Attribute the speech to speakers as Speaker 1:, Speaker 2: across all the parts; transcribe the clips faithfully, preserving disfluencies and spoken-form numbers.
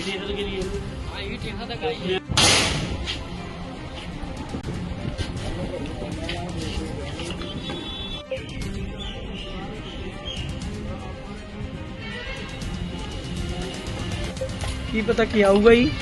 Speaker 1: ਕੀ ਪਤਾ ਕੀ ਆਊਗਾ ਜੀ।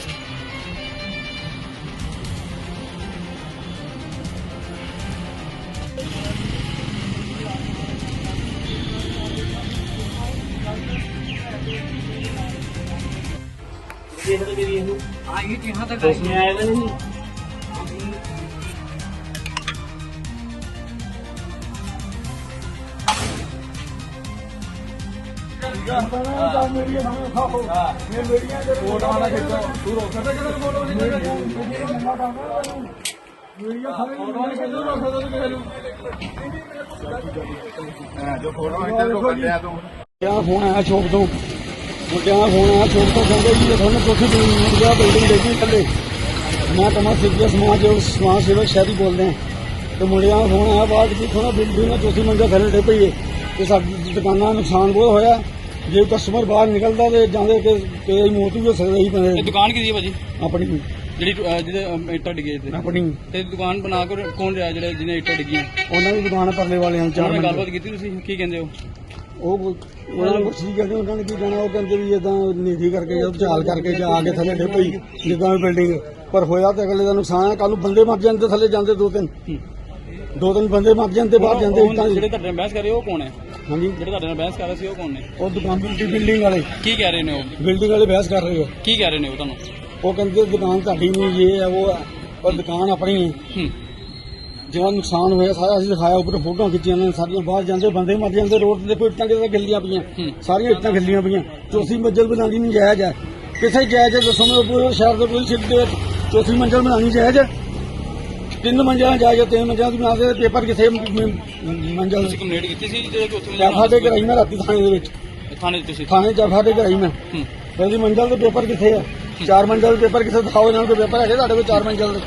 Speaker 1: फोन आया शॉप तो मुंडिया फोन आया शॉप तो कहते जी थोड़ा चौथी मुंडिया बिल्डिंग देखी थले मैं कमर सिद्धिया समाज समाज सेवक शहरी बोलते हैं तो मुंडिया फोन आया बाद की थोड़ा बिल्डिंग में चौथी मंजिल थले डे पई है तो साडी दुकाना नुकसान बहुत होया जे कस्टमर बाहर निकलता तो जाते कि मौत भी हो सकती ही बने।
Speaker 2: दुकान की भाजी
Speaker 1: अपनी
Speaker 2: ਜਿਹੜੀ ਜਿਹਦੇ ਇੱਟਾਂ ਡਿੱਗੇ ਤੇ
Speaker 1: अपनी
Speaker 2: ਤੇ ਦੁਕਾਨ ਬਣਾ ਕੇ ਕੌਣ ਰਿਹਾ ਜਿਹੜੇ ਜਿਹਨੇ ਇੱਟਾਂ ਡਿੱਗੀਆਂ
Speaker 1: ਉਹਨਾਂ ਦੀ ਦੁਕਾਨ ਪਰਲੇ ਵਾਲਿਆਂ ਚਾਰ
Speaker 2: ਉਹਨਾਂ ਨਾਲ
Speaker 1: ਮਿੰਟ
Speaker 2: ਗੱਲਬਾਤ ਕੀਤੀ ਤੁਸੀਂ ਕੀ ਕਹਿੰਦੇ ਹੋ
Speaker 1: ਉਹ ਉਹਨਾਂ ਨੂੰ ਕੁਛ ਨਹੀਂ ਕਹਿੰਦੇ ਉਹਨਾਂ ਨੇ ਕੀ ਕਹਿਣਾ ਉਹ ਕਹਿੰਦੇ ਵੀ ਇਦਾਂ ਨੀਤੀ ਕਰਕੇ ਜਾਂ ਝਾਲ ਕਰਕੇ ਜਾਂ ਆ ਕੇ ਥੱਲੇ ਡੇ ਪਈ ਜਿੱਦਾਂ ਵੀ ਬਿਲਡਿੰਗ ਪਰ ਹੋਇਆ ਤੇ ਅਗਲੇ ਦਾ ਨੁਕਸਾਨ ਹੈ ਕੱਲ ਨੂੰ ਬੰਦੇ ਮਰ ਜਾਂਦੇ ਥੱਲੇ ਜਾਂਦੇ ਦੋ ਤਿੰਨ ਦੋ ਤਿੰਨ ਬੰਦੇ ਮਰ ਜਾਂਦੇ ਬਾਹਰ ਜਾਂਦੇ ਇੱਟਾਂ
Speaker 2: ਜਿਹੜੇ ਤੁਹਾਡੇ ਨਾਲ ਬਹਿਸ ਕਰ ਰਹੇ ਉਹ ਕੌਣ ਹੈ
Speaker 1: ਹਾਂਜੀ
Speaker 2: ਜਿਹੜੇ ਤੁਹਾਡੇ ਨਾਲ ਬਹਿਸ ਕਰ ਰਹੇ ਸੀ ਉਹ ਕੌਣ ਨੇ
Speaker 1: ਉਹ ਦੁਕਾਨ ਦੀ ਬਿਲਡਿੰਗ ਵਾਲੇ
Speaker 2: ਕੀ ਕਹਿ ਰਹੇ ਨੇ ਉਹ
Speaker 1: ਬਿਲਡਿੰਗ ਵਾਲੇ ਬਹਿਸ ਕਰ ਰਹੇ ਹੋ
Speaker 2: ਕੀ ਕਹਿ ਰਹੇ ਨੇ ਉਹ ਤੁਹਾਨੂੰ
Speaker 1: ਉਹ ਕਹਿੰਦੇ ਦੁਕਾਨ ਤੁਹਾਡੀ ਨਹੀਂ ਇਹ ਹੈ ਉਹ ਹੈ ਪਰ ਦੁਕਾਨ ਆਪਣੀ ਹੈ
Speaker 2: ਹੂੰ
Speaker 1: ਜਿਹੜਾ ਨੁਕਸਾਨ ਹੋਇਆ ਸਾਰਾ ਅਸੀਂ ਦਿਖਾਇਆ ਉੱਪਰ ਫੋਟੋਆਂ ਖਿੱਚੀਆਂ ਨੇ ਸਾਰੀਆਂ ਬਾਹਰ ਜਾਂਦੇ ਬੰਦੇ ਮਰ ਜਾਂਦੇ ਰੋਡ ਤੇ ਕੋਈ ਇੱਟਾਂ ਕਿਤੇ ਗਿੱਲੀਆਂ ਪਈਆਂ ਸਾਰੀਆਂ ਇੱਟਾਂ ਗਿੱਲੀਆਂ ਪਈਆਂ ਚੌਥੀ ਮੰਜ਼ਿਲ ਬਣਾਉਣੀ ਨਹੀਂ ਜਾਇਜ਼ ਹੈ ਕਿਸੇ ਜਾਇਜ਼ ਦੱਸੋ ਮੈਨੂੰ ਪੂਰੇ ਸ਼ਹਿਰ ਦੇ ਪੂਰੀ ਸਿਟੀ ਦੇ ਵਿੱਚ ਚੌਥੀ ਮੰਜ਼ਿਲ ਬਣਾਉਣੀ ਜਾਇਜ਼ ਹੈ ਤਿੰਨ ਮੰਜ਼ਿਲਾਂ ਜਾਇਜ਼ ਹੈ ਤਿੰਨ ਮੰਜ਼ਿਲਾਂ ਦੀ ਬਣਾਉਂਦੇ ਪੇਪਰ ਕਿਸੇ ਮੰਜ਼ਿਲ
Speaker 2: ਤੁਸੀਂ ਕੰਪਲੇਂਟ ਕੀਤੀ ਸੀ ਜਿਹੜੇ ਚੌਥੀ
Speaker 1: ਜਾਫਾ ਦੇ ਕਰਾਈ ਮੈਂ ਰਾਤੀ ਥਾਣੇ ਦੇ ਵਿੱਚ
Speaker 2: ਥਾਣੇ ਚ ਤੁਸੀਂ
Speaker 1: ਥਾਣੇ ਜਾਫਾ ਦੇ ਕਰਾਈ ਮੈਂ
Speaker 2: ਹੂੰ
Speaker 1: ਪਹਿਲੀ ਮੰਜ਼ਿਲ ਦੇ ਪੇਪਰ ਕਿੱਥੇ ਹੈ ਚਾਰ ਮੰਜ਼ਿਲ ਦੇ ਪੇਪਰ ਕਿੱਥੇ ਦਿਖਾਓ ਇਹਨਾਂ ਦੇ ਪੇਪਰ ਹੈਗੇ ਤੁਹਾਡੇ ਕੋਲ ਚਾਰ ਮੰਜ਼ਿਲ ਦੇ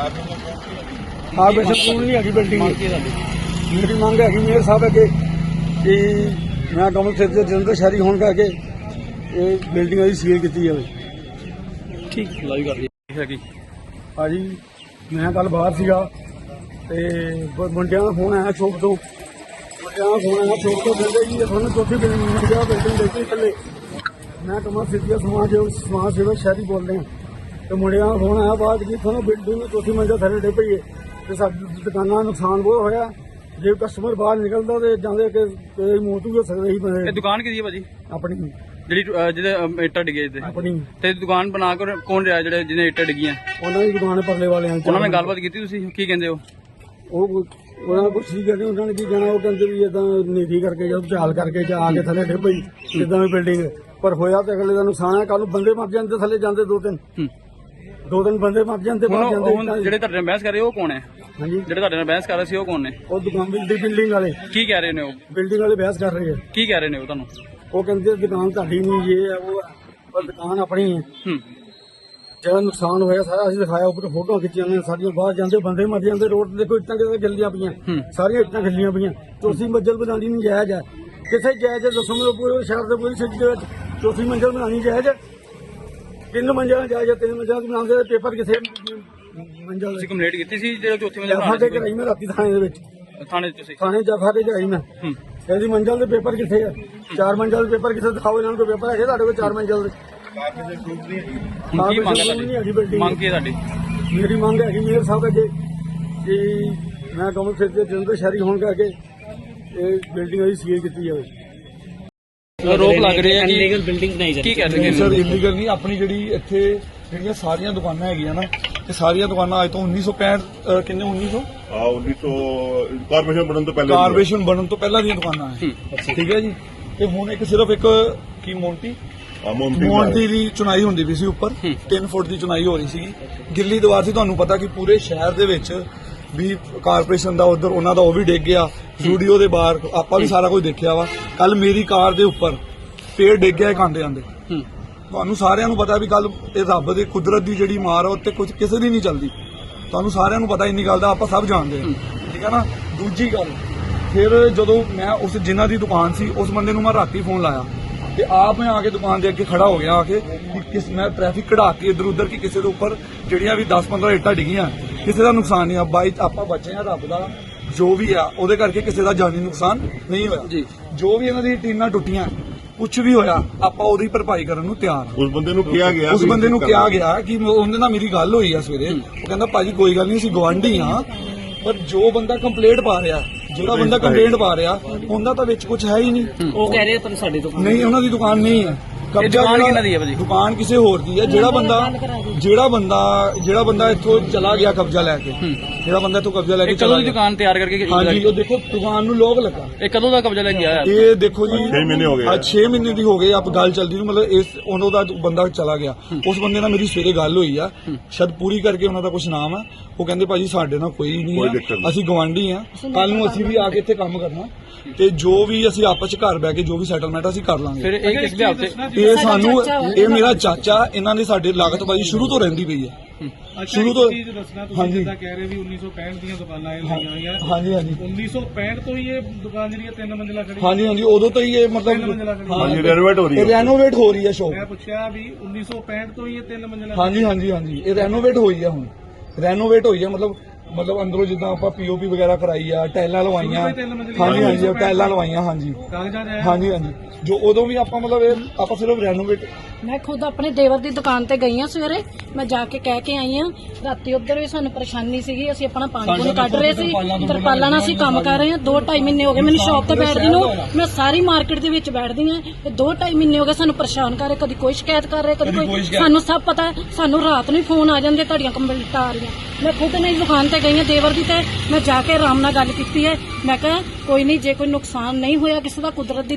Speaker 1: ਹਾਂ ਬੇਸ਼ੱਕ ਸਕੂਲ ਨਹੀਂ ਹੈਗੀ ਬਿਲਡਿੰਗ ਮੇਰੀ ਮੰਗ ਹੈਗੀ ਮੇਅਰ ਸਾਹਿਬ ਅੱਗੇ ਕਿ ਮੈਂ ਕਮਲ ਸਿੱਧ ਦੇ ਜਲੰਧਰ ਸ਼ਹਿਰੀ ਹੋਣ ਕਰਕੇ ਇਹ ਬਿਲਡਿੰਗ ਦੀ ਸੀਲ ਕੀਤੀ ਜਾਵੇ।
Speaker 2: ਠੀਕ ਲਾਈਵ ਕਰ ਲਈ ਹੈਗੀ
Speaker 1: ਭਾਜੀ ਮੈਂ ਕੱਲ ਬਾਹਰ ਸੀਗਾ ਤੇ ਮੁੰਡਿਆਂ ਦਾ ਫੋਨ ਆਇਆ ਸ਼ੌਪ ਤੋਂ ਮੁੰਡਿਆਂ ਦਾ ਫੋਨ ਆਇਆ ਸ਼ੌਪ ਤੋਂ ਕਹਿੰਦੇ ਜੀ ਤੁਹਾਨੂੰ ਚੌਥੀ ਬਿਲਡਿੰਗ ਬਿਲਡਿੰਗ ਦੇਖੀ ਥੱਲੇ ਮੈਂ ਕਮਲ ਸਿੱਧੀਆ ਸਮਾਜ ਸਮਾਜ ਸੇਵਕ ਸ਼ਹਿਰੀ ਬੋਲਦੇ ਹਾਂ ਤੇ ਮੁੰਡਿਆਂ ਦਾ ਫੋਨ ਆਇਆ ਬਾਅਦ ਕਿ ਤੁਹਾਨੂੰ ਬਿਲਡਿੰਗ में ਚੌਥੀ ਮੰਜ਼ਿਲ ਥੱਲੇ ਡੇ ਪਈ ਹੈ ਤੇ ਸਾਡੀ ਦੁਕਾਨਾਂ ਦਾ ਨੁਕਸਾਨ ਬਹੁਤ ਹੋਇਆ ਜੇ ਕਸਟਮਰ ਬਾਹਰ ਨਿਕਲਦਾ ਤੇ ਜਾਂਦੇ ਕਿ ਮੌਤ ਵੀ ਹੋ ਸਕਦੀ ਹੀ ਬਣੇ।
Speaker 2: ਇਹ ਦੁਕਾਨ ਕਿਹਦੀ ਹੈ ਭਾਜੀ
Speaker 1: ਆਪਣੀ
Speaker 2: ਜਿਹੜੀ ਜਿਹਦੇ ਇੱਟਾਂ ਡਿੱਗੇ ਤੇ
Speaker 1: ਆਪਣੀ
Speaker 2: ਤੇ ਦੁਕਾਨ ਬਣਾ ਕੇ ਕੌਣ ਰਿਹਾ ਜਿਹੜੇ ਜਿਹਨੇ ਇੱਟਾਂ ਡਿੱਗੀਆਂ
Speaker 1: ਉਹਨਾਂ ਦੀ ਦੁਕਾਨ ਪਰਲੇ ਵਾਲਿਆਂ
Speaker 2: ਉਹਨਾਂ ਨਾਲ ਗੱਲਬਾਤ ਕੀਤੀ ਤੁਸੀਂ ਕੀ ਕਹਿੰਦੇ ਹੋ
Speaker 1: ਉਹ ਉਹਨਾਂ ਨੂੰ ਕੁਛ ਨਹੀਂ ਕਹਿੰਦੇ ਉਹਨਾਂ ਨੇ ਕੀ ਕਹਿਣਾ ਉਹ ਕਹਿੰਦੇ ਵੀ ਇਦਾਂ ਨੀਤੀ ਕਰਕੇ ਜਾਂ ਝਾਲ ਕਰਕੇ ਜਾਂ ਆ ਕੇ ਥੱਲੇ ਡੇ ਪਈ ਜਿੱਦਾਂ ਵੀ ਬਿਲਡਿੰਗ ਪਰ ਹੋਇਆ ਤੇ ਅਗਲੇ ਦਾ ਨੁਕਸਾਨ ਹੈ ਕੱਲ ਨੂੰ ਬੰਦੇ ਮਰ ਜਾਂਦੇ ਥੱਲੇ ਜਾਂਦੇ ਦੋ ਤਿੰਨ ਦੋ ਤਿੰਨ ਬੰਦੇ ਮਰ ਜਾਂਦੇ ਬਾਹਰ ਜਾਂਦੇ
Speaker 2: ਜਿਹੜੇ ਤੁਹਾਡੇ ਨਾਲ ਬਹਿਸ ਕਰ ਰਹੇ ਉਹ ਕੌਣ ਹੈ
Speaker 1: ਹਾਂਜੀ
Speaker 2: ਜਿਹੜੇ ਤੁਹਾਡੇ ਨਾਲ ਬਹਿਸ ਕਰ ਰਹੇ ਸੀ ਉਹ ਕੌਣ ਨੇ
Speaker 1: ਉਹ ਦੁਕਾਨ ਦੀ ਬਿਲਡਿੰਗ ਵਾਲੇ
Speaker 2: ਕੀ ਕਹਿ ਰਹੇ ਨੇ ਉਹ
Speaker 1: ਬਿਲਡਿੰਗ ਵਾਲੇ ਬਹਿਸ ਕਰ ਰਹੇ ਹੈ
Speaker 2: ਕੀ ਕਹਿ ਰਹੇ ਨੇ ਉਹ ਤੁਹਾਨੂੰ
Speaker 1: ਉਹ ਕਹਿੰਦੇ ਦੁਕਾਨ ਤੁਹਾਡੀ ਨਹੀਂ ਇਹ ਹੈ ਉਹ ਹੈ ਪਰ ਦੁਕਾਨ ਆਪਣੀ ਹੈ
Speaker 2: ਹੂੰ
Speaker 1: ਜਿਹੜਾ ਨੁਕਸਾਨ ਹੋਇਆ ਸਾਰਾ ਅਸੀਂ ਦਿਖਾਇਆ ਉੱਪਰ ਫੋਟੋਆਂ ਖਿੱਚੀਆਂ ਨੇ ਸਾਰੀਆਂ ਬਾਹਰ ਜਾਂਦੇ ਬੰਦੇ ਮਰ ਜਾਂਦੇ ਰੋਡ ਤੇ ਕੋਈ ਇੱਟਾਂ ਕਿਤੇ ਗਿੱਲੀਆਂ ਪਈਆਂ ਸਾਰੀਆਂ ਇੱਟਾਂ ਗਿੱਲੀਆਂ ਪਈਆਂ ਚੌਥੀ ਮੰਜ਼ਿਲ ਬਣਾਉਣੀ ਨਹੀਂ ਜਾਇਜ਼ ਹੈ ਕਿਸੇ ਜਾਇਜ਼ ਦੱਸੋ ਮੈਨੂੰ ਪੂਰੇ ਸ਼ਹਿਰ ਦੇ ਪੂਰੀ ਸਿਟੀ ਦੇ ਵਿੱਚ ਚੌਥੀ ਮੰਜ਼ਿਲ ਬਣਾਉਣੀ ਜਾਇਜ਼ ਹੈ ਤਿੰਨ ਮੰਜ਼ਿਲਾਂ ਜਾਇਜ਼ ਹੈ ਤਿੰਨ ਮੰਜ਼ਿਲਾਂ ਦੀ ਬਣਾਉਂਦੇ ਪੇਪਰ ਕਿਸੇ ਮੰਜ਼ਿਲ
Speaker 2: ਤੁਸੀਂ ਕੰਪਲੇਂਟ ਕੀਤੀ ਸੀ ਜਿਹੜੇ ਚੌਥੀ ਮੰਜ਼ਿਲ
Speaker 1: ਜਾਫਾ ਦੇ ਕਰਾਈ ਮੈਂ ਰਾਤੀ ਥਾਣੇ ਦੇ ਵਿੱਚ
Speaker 2: ਥਾਣੇ ਚ ਤੁਸੀਂ
Speaker 1: ਥਾਣੇ ਜਾਫਾ ਦੇ ਕਰਾਈ ਮੈਂ ਇਹਦੀ ਮੰਜ਼ਿਲ ਦੇ ਪੇਪਰ ਕਿੱਥੇ ਹੈ ਚਾਰ ਮੰਜ਼ਿਲ ਦੇ ਪੇਪਰ ਕਿੱਥੇ ਦਿਖਾਓ ਇਹਨਾਂ ਨੂੰ ਪੇਪਰ ਹੈਗੇ ਤੁਹਾਡੇ ਕੋਲ ਚਾਰ ਮੰਜ਼ਿਲ ਦੇ
Speaker 2: ਕੀ ਮੰਗ ਹੈ ਤੁਹਾਡੀ ਮੰਗ ਕੀ ਹੈ ਤੁਹਾਡੀ
Speaker 1: ਮੇਰੀ ਮੰਗ ਹੈਗੀ ਮੇਅਰ ਸਾਹਿਬ ਅੱਗੇ ਕਿ ਮੈਂ ਕਮਲ ਸਿੱਧ ਦੇ ਜਲੰਧਰ ਸ਼ਹਿਰੀ ਹੋਣ ਕਰਕੇ ਇਹ ਬਿਲਡਿੰਗ ਦੀ ਸੀਲ ਕੀਤੀ ਜਾਵੇ।
Speaker 2: ਰੋਕ ਲੱਗ ਰਹੀ ਹੈ ਕਿ
Speaker 3: ਇਲੀਗਲ ਬਿਲਡਿੰਗ ਬਣਾਈ
Speaker 2: ਕੀ ਕਹਿ ਰਹੇ
Speaker 4: ਸਰ ਇਲੀਗਲ ਨਹੀਂ ਆਪਣੀ ਜਿਹੜੀ ਇੱਥੇ ਜਿਹੜੀਆਂ ਸਾਰੀਆਂ ਦੁਕਾਨਾਂ ਹੈਗੀਆਂ ਨਾ ਤੇ ਸਾਰੀਆਂ ਦੁਕਾਨਾਂ ਅੱਜ ਤੋਂ ਉੱਨੀ ਸੌ ਪੈਂਹਠ ਕਿੰਨੇ ਉੱਨੀ ਸੌ
Speaker 5: ਹਾਂ ਉੱਨੀ ਸੌ ਕਾਰਪੋਰੇਸ਼ਨ ਬਣਨ ਤੋਂ ਪਹਿਲਾਂ
Speaker 4: ਕਾਰਪੋਰੇਸ਼ਨ ਬਣਨ ਤੋਂ ਪਹਿਲਾਂ ਦੀਆਂ ਦੁਕਾਨਾਂ ਹੈ ਠੀਕ ਹੈ ਜੀ ਤੇ ਹੁਣ ਇੱਕ ਸਿਰਫ ਇੱਕ ਕੀ ਮੋਂਟੀ ਮੋਂਟੀ ਦੀ ਚੁਣਾਈ ਹੁੰਦੀ ਵੀ ਸੀ ਉੱਪਰ ਤਿੰਨ ਫੁੱਟ ਦੀ ਚੁਣਾਈ ਹੋ ਰਹੀ ਸੀਗੀ ਗਿੱਲੀ ਦੀਵਾਰ ਸੀ ਤੁਹਾਨੂੰ ਪਤਾ ਕਿ ਪੂਰੇ ਸ਼ਹਿਰ ਦੇ ਵਿੱਚ ਵੀ ਕਾਰਪੋਰੇਸ਼ਨ ਦਾ ਉਧਰ ਉਹਨਾਂ ਦਾ ਉਹ ਵੀ ਡਿੱਗ ਗਿਆ ਸਟੂਡੀਓ ਦੇ ਬਾਹਰ ਆਪਾਂ ਵੀ ਸਾਰਾ ਕੁਝ ਦੇਖਿਆ ਵਾ ਕੱਲ ਮੇਰੀ ਕਾਰ ਦੇ ਉੱਪਰ ਪੇੜ ਡਿੱਗ ਗਿਆ ਆਂਦੇ ਆਂਦੇ ਤੁਹਾਨੂੰ ਸਾਰਿਆਂ ਨੂੰ ਪਤਾ ਵੀ ਕੱਲ ਇਹ ਰੱਬ ਦੀ ਕੁਦਰਤ ਦੀ ਜਿਹੜੀ ਮਾਰ ਆ ਉੱਤੇ ਕੁਝ ਕਿਸੇ ਦੀ ਨਹੀਂ ਚੱਲਦੀ ਤੁਹਾਨੂੰ ਸਾਰਿਆਂ ਨੂੰ ਪਤਾ ਇੰਨੀ ਗੱਲ ਦਾ ਆਪਾਂ ਸਭ ਜਾਣਦੇ ਹਾਂ ਠੀਕ ਹੈ ਨਾ। ਦੂਜੀ ਗੱਲ ਫਿਰ ਜਦੋਂ ਮੈਂ ਉਸ ਜਿਨ੍ਹਾਂ ਦੀ ਦੁਕਾਨ ਸੀ ਉਸ ਬੰਦੇ ਨੂੰ ਮੈਂ ਰਾਤੀ ਫੋਨ ਲਾਇਆ ਤੇ ਆਪ ਮੈਂ ਆ ਕੇ ਦੁਕਾਨ ਦੇ ਅੱਗੇ ਖੜਾ ਹੋ ਗਿਆ ਆ ਕੇ ਕਿ ਕਿਸ ਮੈਂ ਟ੍ਰੈਫਿਕ ਕਢਾ ਕੇ ਇਧਰ ਉਧਰ ਕਿ ਕਿਸੇ ਦੇ ਉੱਪਰ ਜਿਹੜੀਆਂ ਵੀ ਦਸ ਪੰਦਰਾਂ ਇੱਟਾਂ ਡਿੱਗੀਆਂ ਕਿਸੇ ਦਾ ਨੁਕਸਾਨ ਨਹੀਂ ਆ। ਬਾਈ ਆਪਾਂ ਬਚੇ ਆ ਰੱਬ ਦਾ ਜੋ ਵੀ ਆ ਉਹਦੇ ਕਰਕੇ ਕਿਸੇ ਦਾ ਜਾਨੀ ਨੁਕਸਾਨ ਨਹੀਂ ਹੋਇਆ ਜੀ। ਜੋ ਵੀ ਇਹਨਾਂ ਦੀ ਟੀਨਾਂ ਟੁੱਟੀਆਂ ਕੁਝ ਵੀ ਹੋਇਆ ਆਪਾਂ ਉਹਦੀ ਭਰਪਾਈ ਕਰਨ ਨੂੰ ਤਿਆਰ ਹਾਂ।
Speaker 5: ਉਸ ਬੰਦੇ ਨੂੰ ਕਿਹਾ ਗਿਆ
Speaker 4: ਉਸ ਬੰਦੇ ਨੂੰ ਕਿਹਾ ਗਿਆ ਕਿ ਉਹਦੇ ਨਾਲ ਮੇਰੀ ਗੱਲ ਹੋਈ ਆ ਸਵੇਰੇ, ਉਹ ਕਹਿੰਦਾ ਭਾਜੀ ਕੋਈ ਗੱਲ ਨਹੀਂ ਅਸੀਂ ਗਵਾਂਢੀ ਆ, ਪਰ ਜੋ ਬੰਦਾ ਕੰਪਲੇਂਟ ਪਾ ਰਿਹਾ ਜਿਹੜਾ ਬੰਦਾ ਕੰਪਲੇਂਟ ਪਾ ਰਿਹਾ ਉਹਦਾ ਤਾਂ ਵਿੱਚ ਕੁਝ ਹੈ ਹੀ ਨਹੀਂ।
Speaker 2: ਉਹ ਕਹਿ ਰਹੇ ਪਰ ਸਾਡੀ ਦੁਕਾਨ
Speaker 4: ਨਹੀਂ ਉਹਨਾਂ ਦੀ ਦੁਕਾਨ ਨਹੀਂ ਹੈ। ਕਬਜ਼ਾ
Speaker 2: ਦੁਕਾਨ
Speaker 4: ਜਿਹੜਾ-
Speaker 2: ਕਿਹਨਾਂ ਦੀ ਹੈ ਭਾਜੀ?
Speaker 4: ਦੁਕਾਨ ਕਿਸੇ ਹੋਰ ਦੀ ਹੈ। ਜਿਹੜਾ ਬੰਦਾ ਜਿਹੜਾ ਬੰਦਾ ਜਿਹੜਾ ਬੰਦਾ ਇੱਥੋਂ ਚਲਾ ਗਿਆ ਕਬਜ਼ਾ ਲੈ ਕੇ, ਜਿਹੜਾ ਬੰਦਾ ਇੱਥੋਂ ਕਬਜ਼ਾ ਲੈ ਕੇ
Speaker 2: ਇਹ
Speaker 4: ਚਲਾ
Speaker 2: ਕਦੋਂ ਦੀ
Speaker 4: ਗਿਆ,
Speaker 2: ਦੁਕਾਨ ਤਿਆਰ ਕਰਕੇ
Speaker 4: ਹਾਂਜੀ ਉਹ ਦੇਖੋ ਦੁਕਾਨ ਨੂੰ ਲੋਕ ਲੱਗਾ।
Speaker 2: ਇਹ ਕਦੋਂ ਦਾ ਕਬਜ਼ਾ ਲੈ ਕੇ ਆਇਆ?
Speaker 4: ਇਹ ਦੇਖੋ ਜੀ
Speaker 5: ਛੇ ਮਹੀਨੇ ਹੋ ਗਏ ਆ।
Speaker 4: ਅੱਜ ਛੇ ਮਹੀਨੇ ਦੀ ਹੋ ਗਈ ਆਪ ਗੱਲ ਚੱਲਦੀ ਨੂੰ, ਮਤਲਬ ਇਸ ਉਹਨਾਂ ਦਾ ਬੰਦਾ ਚਲਾ ਗਿਆ। ਉਸ ਬੰਦੇ ਨਾਲ ਮੇਰੀ ਸਵੇਰੇ ਗੱਲ ਹੋਈ ਆ, ਸ਼ਾਇਦ ਪੂਰੀ ਕਰਕੇ ਉਹਨਾਂ ਦਾ ਕੁਝ ਨਾਮ ਆ। ਉਹ ਕਹਿੰਦੇ ਭਾਜੀ ਸਾਡੇ ਨਾਲ ਕੋਈ
Speaker 5: ਕੋਈ
Speaker 4: ਨਹੀਂ
Speaker 5: ਦਿੱਕਤ
Speaker 4: ਆ,
Speaker 5: ਨਹੀਂ।
Speaker 4: ਅਸੀਂ ਗਵਾਂਢੀ ਆ, ਕੱਲ ਨੂੰ ਅਸੀਂ ਵੀ ਆ ਕੇ ਇੱਥੇ ਕੰਮ ਕਰਨਾ ਤੇ ਜੋ ਵੀ ਅਸੀਂ ਆਪਸ ਚ ਘਰ ਬਹਿ ਕੇ ਜੋ ਵੀ ਸੈਟਲਮੈਂਟ ਅਸੀਂ ਕਰ ਲਾਂਗੇ।
Speaker 2: ਫਿਰ ਇਹ ਕਿਸ ਬਿਹਾਰ ਤੇ?
Speaker 4: ਇਹ ਸਾਨੂੰ ਇਹ ਮੇਰਾ ਚਾਚਾ ਇਹਨਾਂ ਦੀ ਸਾਡੇ ਲਾਗਤਬਾਜ਼ੀ ਸ਼ੁਰੂ ਤੋਂ ਰਹਿੰਦੀ ਪਈ ਹੈ। ਸ਼ੁਰੂ ਤੋਂ
Speaker 3: ਚੀਜ਼ ਦੱਸਣਾ ਤੁਸੀਂ
Speaker 4: ਹਾਂਜੀ
Speaker 3: ਜਿੱਦਾਂ ਕਹਿ ਰਹੇ ਵੀ ਉੱਨੀ ਸੌ ਪੈਂਹਠ ਦੀਆਂ ਦੁਕਾਨਾਂ ਇਹ ਲਾਈਆਂ ਹੋਈਆਂ
Speaker 4: ਹਾਂਜੀ ਹਾਂਜੀ
Speaker 3: ਉੱਨੀ ਸੌ ਪੈਂਹਠ ਤੋਂ ਹੀ ਇਹ ਦੁਕਾਨ ਜਿਹੜੀ ਹੈ ਤਿੰਨ ਮੰਜ਼ਿਲਾ ਖੜੀ
Speaker 4: ਹਾਂਜੀ ਹਾਂਜੀ ਉਦੋਂ ਤੋਂ ਹੀ ਇਹ
Speaker 3: ਮੰਜ਼ਿਲਾ
Speaker 4: ਮਤਲਬ
Speaker 3: ਖੜੀ
Speaker 5: ਹਾਂਜੀ ਰੈਨੋਵੇਟ ਹੋ ਰਹੀ ਹੈ।
Speaker 4: ਰੈਨੋਵੇਟ ਹੋ ਰਹੀ ਹੈ ਸ਼ੋਪ।
Speaker 3: ਮੈਂ ਪੁੱਛਿਆ ਵੀ ਉੱਨੀ ਸੌ ਪੈਂਹਠ ਤੋਂ ਹੀ ਇਹ ਤਿੰਨ ਮੰਜ਼ਿਲਾ
Speaker 4: ਹਾਂਜੀ ਹਾਂਜੀ ਹਾਂਜੀ ਇਹ ਰੈਨੋਵੇਟ ਹੋਈ ਹੈ ਹੁਣ ਰੈਨੋਵੇਟ ਹੋਈ ਹੈ ਮਤਲਬ ਮਤਲਬ ਅੰਦਰੋਂ ਜਿੱਦਾਂ ਆਪਾਂ ਪੀਓਪੀ ਵਗੈਰਾ ਕਰਾਈ ਆ, ਟਾਈਲਾਂ ਲਵਾਈਆਂ, ਹਾਂਜੀ ਹਾਂਜੀ ਟਾਈਲਾਂ ਲਵਾਈਆਂ, ਹਾਂਜੀ
Speaker 3: ਕਾਗਜ਼ਾਂ 'ਚ ਆਇਆ
Speaker 4: ਹਾਂਜੀ ਹਾਂਜੀ ਜੋ ਉਦੋਂ ਵੀ ਆਪਾਂ ਮਤਲਬ ਇਹ ਆਪਾਂ ਸਿਰਫ ਰੈਨੋਵੇਟ
Speaker 6: ਮੈਂ ਖੁਦ ਆਪਣੇ ਦੇਵਰ ਦੀ ਦੁਕਾਨ ਤੇ ਗਈ ਆ ਸਵੇਰੇ, ਮੈਂ ਜਾ ਕੇ ਕਹਿ ਕੇ ਆਈ ਆ। ਰਾਤੀ ਉੱਧਰ ਵੀ ਸਾਨੂੰ ਪਰੇਸ਼ਾਨੀ ਸੀਗੀ, ਅਸੀਂ ਆਪਣਾ ਪਾਣੀ ਪੂਣੀ ਕੱਢ ਰਹੇ ਸੀ, ਤਰਪਾਲਾਂ ਨਾਲ ਅਸੀਂ ਕੰਮ ਕਰ ਰਹੇ ਆ। ਦੋ ਢਾਈ ਮਹੀਨੇ ਹੋ ਗਏ ਮੈਨੂੰ ਸ਼ੌਪ ਤੇ ਬੈਠਦੀ ਨੂੰ, ਮੈਂ ਸਾਰੀ ਮਾਰਕੀਟ ਦੇ ਵਿੱਚ ਬੈਠਦੀ ਆ। ਤੇ ਦੋ ਢਾਈ ਮਹੀਨੇ ਹੋ ਗਏ ਸਾਨੂੰ ਪਰੇਸ਼ਾਨ ਕਰ ਰਹੇ, ਕਦੀ ਕੋਈ ਸ਼ਿਕਾਇਤ ਕਰ ਰਹੇ, ਕਦੀ ਕੋਈ। ਸਾਨੂੰ ਸਭ ਪਤਾ ਹੈ, ਸਾਨੂੰ ਰਾਤ ਨੂੰ ਹੀ ਫੋਨ ਆ ਜਾਂਦੇ ਤੁਹਾਡੀਆਂ ਕੰਪਲੇਂਟਾਂ ਆ ਰਹੀਆਂ। ਮੈਂ ਖੁਦ ਨੇ ਦੁਕਾਨ ਤੇ ਗਈ ਆ ਦੇਵਰ ਦੀ, ਤੇ ਮੈਂ ਜਾ ਕੇ ਆਰਾਮ ਨਾਲ ਗੱਲ ਕੀਤੀ ਹੈ। ਮੈਂ ਕਿਹਾ ਕੋਈ ਨਹੀਂ, ਜੇ ਕੋਈ ਨੁਕਸਾਨ ਨਹੀਂ ਹੋਇਆ ਕਿਸੇ ਦਾ, ਕੁਦਰਤ ਦੀ